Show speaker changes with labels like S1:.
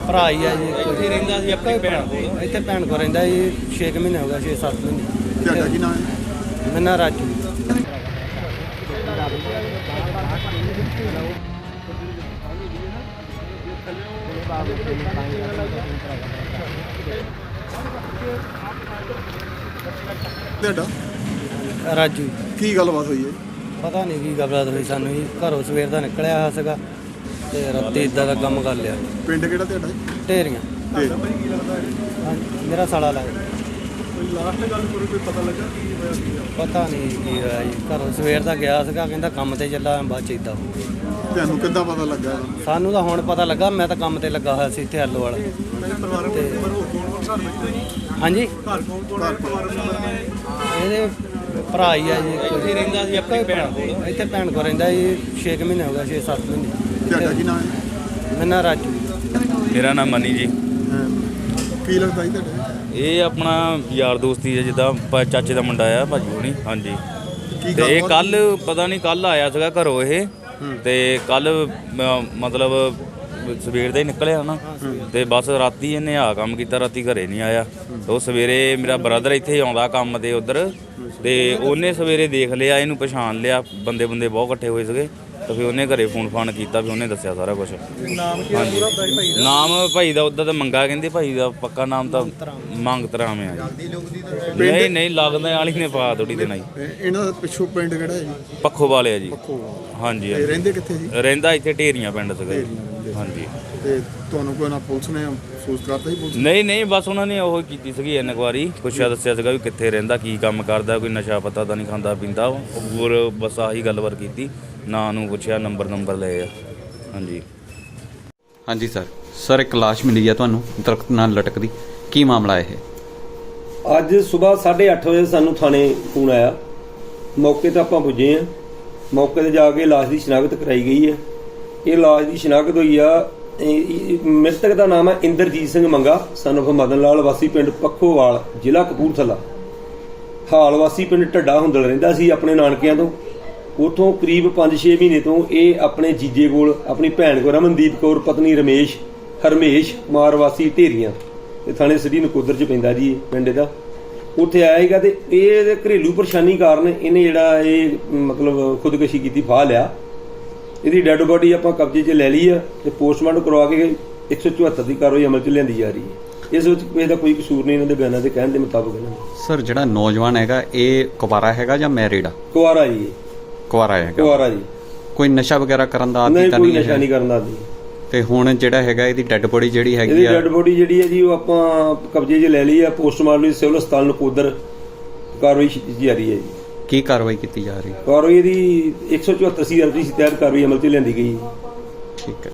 S1: ਭਰਾ ਹੀ ਆ ਜੀ। ਇੱਥੇ ਰਹਿੰਦਾ ਸੀ ਆਪਣੀ ਭੈਣ ਕੋਲ। ਇੱਥੇ ਭੈਣ ਕੋਲ ਰਹਿੰਦਾ ਜੀ 6 ਮਹੀਨੇ ਹੋ ਗਏ, 6-7 ਮਹੀਨੇ।
S2: ਤੁਹਾਡਾ ਕੀ ਨਾਮ ਹੈ?
S1: ਮੇਰਾ ਨਾਂ ਰਾਜੂ।
S2: ਤੁਹਾਡਾ
S1: ਰਾਜੂ
S2: ਕੀ ਗੱਲਬਾਤ ਹੋਈ ਹੈ?
S1: ਪਤਾ ਨਹੀਂ ਕੀ ਗੱਲਬਾਤ ਹੋਈ ਸਾਨੂੰ ਜੀ। ਘਰੋਂ ਸਵੇਰ ਦਾ ਨਿਕਲਿਆ ਹੋਇਆ ਸੀਗਾ ਤੇ ਰਾਤੀ ਇਦਾਂ ਦਾ ਕੰਮ ਕਰ ਲਿਆ।
S2: ਪਿੰਡ ਕਿਹੜਾ ਤੁਹਾਡਾ?
S1: ਢੇਰੀਆਂ।
S2: ਢੇਰ।
S1: ਹਾਂਜੀ, ਮੇਰਾ ਸਾਲਾ ਲੱਗਦਾ।
S2: ਲਾਸਟ ਗੱਲ ਕੋਈ ਪਤਾ ਲੱਗਾ ਕੀ ਹੋਇਆ?
S1: ਪਤਾ ਨਹੀਂ ਕੀ ਹੋਇਆ ਜੀ। ਘਰੋਂ ਸਵੇਰ ਦਾ ਗਿਆ ਸੀਗਾ, ਕਹਿੰਦਾ ਕੰਮ ਤੇ ਚੱਲਾ, ਬਾਅਦ ਚ ਇਦਾਂ ਹੋ ਗਿਆ।
S2: ਤੁਹਾਨੂੰ ਕਿੱਦਾਂ ਪਤਾ ਲੱਗਾ?
S1: ਸਾਨੂੰ ਤਾਂ ਹੁਣ ਪਤਾ ਲੱਗਾ, ਮੈਂ ਤਾਂ ਕੰਮ ਤੇ ਲੱਗਾ ਹੋਇਆ ਸੀ ਇੱਥੇ ਆਲੋ ਵਾਲਾ। ਹਾਂਜੀ, ਇਹਦੇ ਭਰਾ ਹੀ ਆ ਜੀ। ਇੱਥੇ ਰਹਿੰਦਾ ਸੀ ਆਪਣੀ ਭੈਣ ਕੋਲ। ਇੱਥੇ ਭੈਣ ਕੋਲ ਰਹਿੰਦਾ ਜੀ 6 ਮਹੀਨੇ ਹੋ ਗਏ, 6-7 ਮਹੀਨੇ।
S2: ਤੁਹਾਡਾ ਕੀ ਨਾਮ ਹੈ?
S1: ਮੇਰਾ ਨਾਂ ਰਾਜੂ।
S3: ਮੇਰਾ ਨਾਮ ਮਨੀ ਜੀ।
S2: ਕੀ ਲੱਗਦਾ ਜੀ ਤੁਹਾਡਾ?
S3: ਇਹ ਆਪਣਾ ਯਾਰ ਦੋਸਤੀ ਹੈ, ਜਿੱਦਾਂ ਚਾਚੇ ਦਾ ਮੁੰਡਾ ਆ ਭਾਜੀ ਹੋਣੀ। ਹਾਂਜੀ।
S2: ਕੀ
S3: ਤੇ ਇਹ ਕੱਲ ਪਤਾ ਨਹੀਂ ਕੱਲ ਆਇਆ ਸੀਗਾ ਘਰੋਂ ਇਹ, ਤੇ ਕੱਲ ਮਤਲਬ ਸਵੇਰ ਦਾ ਹੀ ਨਿਕਲਿਆ ਨਾ, ਤੇ ਬਸ ਰਾਤੀ ਇਹਨੇ ਆ ਕੰਮ ਕੀਤਾ, ਰਾਤੀ ਘਰੇ ਨਹੀਂ ਆਇਆ। ਤੇ ਉਹ ਸਵੇਰੇ ਮੇਰਾ ਬ੍ਰਦਰ ਇੱਥੇ ਆਉਂਦਾ ਕੰਮ ਤੇ ਉਧਰ, ਤੇ ਉਹਨੇ ਸਵੇਰੇ ਦੇਖ ਲਿਆ, ਇਹਨੂੰ ਪਛਾਣ ਲਿਆ। ਬੰਦੇ ਬਹੁਤ ਇਕੱਠੇ ਹੋਏ ਸੀਗੇ, ਤਾਂ ਫਿਰ ਉਹਨੇ ਘਰੇ ਫੋਨ ਕੀਤਾ, ਫਿਰ ਉਹਨੇ ਦੱਸਿਆ ਸਾਰਾ ਕੁਝ। ਨਾਮ ਭਾਈ ਦਾ ਉੱਦਾਂ ਤਾਂ ਮੰਗਾ ਕਹਿੰਦੇ, ਭਾਈ ਦਾ ਪੱਕਾ ਨਾਮ ਤਾਂ ਮੰਗਤ ਰਾਮ ਆ। ਨਹੀਂ ਲੱਗਦਾ ਵਾਲੀ ਨੇ ਪਾ ਥੋੜੀ ਦੇਣਾ ਜੀ।
S2: ਇਹਨਾਂ ਦਾ ਪਿੱਛੋਂ ਪਿੰਡ ਕਿਹੜਾ ਹੈ ਜੀ?
S3: ਪੱਖੋ ਵਾਲੇ ਆ ਜੀ। ਹਾਂਜੀ।
S2: ਰਹਿੰਦੇ ਕਿੱਥੇ ਜੀ?
S3: ਰਹਿੰਦਾ ਇੱਥੇ ਢੇਰੀਆਂ ਪਿੰਡ ਸੀਗਾ ਜੀ। ਹਾਂਜੀ।
S2: ਤੇ ਤੁਹਾਨੂੰ ਕੋਈ ਨਾ ਪੁਲਿਸ ਨੇ ਅਫਸੋਸ ਕਰਤਾ ਜੀ?
S3: ਨਹੀਂ ਬਸ ਉਹਨਾਂ ਨੇ ਉਹ ਕੀਤੀ ਸੀਗੀ ਇਨਕੁਆਰੀ, ਪੁੱਛਿਆ ਦੱਸਿਆ ਸੀਗਾ ਵੀ ਕਿੱਥੇ ਰਹਿੰਦਾ, ਕੀ ਕੰਮ ਕਰਦਾ, ਕੋਈ ਨਸ਼ਾ ਪਤਾ ਤਾਂ ਨਹੀਂ ਖਾਂਦਾ ਪੀਂਦਾ। ਹੋਰ ਬਸ ਆਹੀ ਗੱਲਬਾਤ ਕੀਤੀ, ਨਾਂ ਨੂੰ ਪੁੱਛਿਆ, ਨੰਬਰ ਲਏ ਆ।
S4: ਹਾਂਜੀ ਸਰ ਇੱਕ ਲਾਸ਼ ਮਿਲੀ ਆ ਤੁਹਾਨੂੰ ਦਰਖਤ ਨਾਲ ਲਟਕਦੀ, ਕੀ ਮਾਮਲਾ ਇਹ?
S5: ਅੱਜ ਸਵੇਰ 8:30 ਵਜੇ ਸਾਨੂੰ ਥਾਣੇ ਫੋਨ ਆਇਆ। ਮੌਕੇ ਤੇ ਆਪਾਂ ਪੁੱਜੇ ਆ। ਮੌਕੇ ਤੇ ਜਾ ਕੇ ਲਾਸ਼ ਦੀ ਸ਼ਨਾਖਤ ਕਰਾਈ ਗਈ ਹੈ। ਇਹ ਲਾਸ਼ ਦੀ ਸ਼ਨਾਖਤ ਹੋਈ ਆ। ਮ੍ਰਿਤਕ ਦਾ ਨਾਮ ਹੈ ਇੰਦਰਜੀਤ ਸਿੰਘ ਮੰਗਾ, ਸਨ ਆਫ ਮਦਨ ਲਾਲ, ਵਾਸੀ ਪਿੰਡ ਪੱਖੋਵਾਲ, ਜ਼ਿਲ੍ਹਾ ਕਪੂਰਥਲਾ। ਹਾਲ ਵਾਸੀ ਪਿੰਡ ਢੱਡਾ ਹੁੰਦਲ ਰਹਿੰਦਾ ਸੀ ਆਪਣੇ ਨਾਨਕਿਆਂ ਤੋਂ। ਉੱਥੋਂ ਕਰੀਬ 5-6 ਮਹੀਨੇ ਤੋਂ ਇਹ ਆਪਣੇ ਜੀਜੇ ਕੋਲ, ਆਪਣੀ ਭੈਣ ਕੋਲ, ਰਮਨਦੀਪ ਕੌਰ ਪਤਨੀ ਹਰਮੇਸ਼ ਕੁਮਾਰ ਵਾਸੀ ਢੇਰੀਆਂ, ਤੇ ਥਾਣੇ ਸਿਟੀ ਨਕੋਦਰ ਚ ਪੈਂਦਾ ਜੀ ਪਿੰਡ ਇਹਦਾ। ਉੱਥੇ ਆਇਆ ਸੀਗਾ ਤੇ ਇਹ ਘਰੇਲੂ ਪਰੇਸ਼ਾਨੀ ਕਾਰਨ ਇਹਨੇ ਜਿਹੜਾ ਇਹ ਮਤਲਬ ਖੁਦਕੁਸ਼ੀ ਕੀਤੀ, ਫਾਹ ਲਿਆ। ਇਹਦੀ ਡੈੱਡ ਬੋਡੀ ਆਪਾਂ ਕਬਜ਼ੇ 'ਚ ਲੈ ਲਈ ਆ ਤੇ ਪੋਸਟਮਾਰਟਮ ਕਰਵਾ ਕੇ 174 ਦੀ ਕਾਰਵਾਈ ਅਮਲ 'ਚ ਲਿਆਂਦੀ ਜਾ ਰਹੀ ਹੈ। ਇਸ ਵਿੱਚ ਕਿਸੇ ਦਾ ਕੋਈ ਕਸੂਰ ਨਹੀਂ, ਇਹਨਾਂ ਦੇ ਬਿਆਨਾਂ ਦੇ ਕਹਿਣ ਦੇ ਮੁਤਾਬਕ। ਇਹਨਾਂ ਦੇ
S4: ਸਰ ਜਿਹੜਾ ਨੌਜਵਾਨ ਹੈਗਾ ਇਹ ਕੁਵਾਰਾ ਹੈਗਾ ਜਾਂ ਮੈਰਿਡ ਆ?
S5: ਕੁਆਰਾ ਜੀ।
S4: ਕੁਵਾਰਾ ਹੈਗਾ।
S5: ਕੁਆਰਾ ਜੀ।
S4: ਕੋਈ ਨਸ਼ਾ ਵਗੈਰਾ ਕਰਨ ਦਾ ਆਦੀ
S5: ਨਹੀਂ,
S4: ਤਾਂ
S5: ਕੋਈ
S4: ਨਹੀਂ?
S5: ਨਸ਼ਾ ਨਹੀਂ ਕਰਨ ਦਾ ਆਦੀ।
S4: ਤੇ ਹੁਣ ਜਿਹੜਾ ਹੈਗਾ ਇਹਦੀ ਡੈੱਡ ਬੋਡੀ ਜਿਹੜੀ ਹੈਗੀ
S5: ਇਹਦੀ
S4: ਆ,
S5: ਡੈੱਡ ਬੋਡੀ ਜਿਹੜੀ ਹੈ ਜੀ ਉਹ ਆਪਾਂ ਕਬਜ਼ੇ 'ਚ ਲੈ ਲਈ ਆ। ਪੋਸਟਮਾਰਟਮ ਸਿਵਲ ਹਸਪਤਾਲ ਨਕੋਦਰ ਕਾਰਵਾਈ ਜਾ ਰਹੀ ਹੈ ਜੀ।
S4: ਕੀ ਕਾਰਵਾਈ ਕੀਤੀ ਜਾ ਰਹੀ?
S5: ਕਾਰਵਾਈ ਇਹਦੀ 174 ਸੀ ਤਹਿਤ ਕਾਰਵਾਈ ਅਮਲ 'ਚ ਲਿਆਂਦੀ ਗਈ।
S4: ਠੀਕ ਹੈ।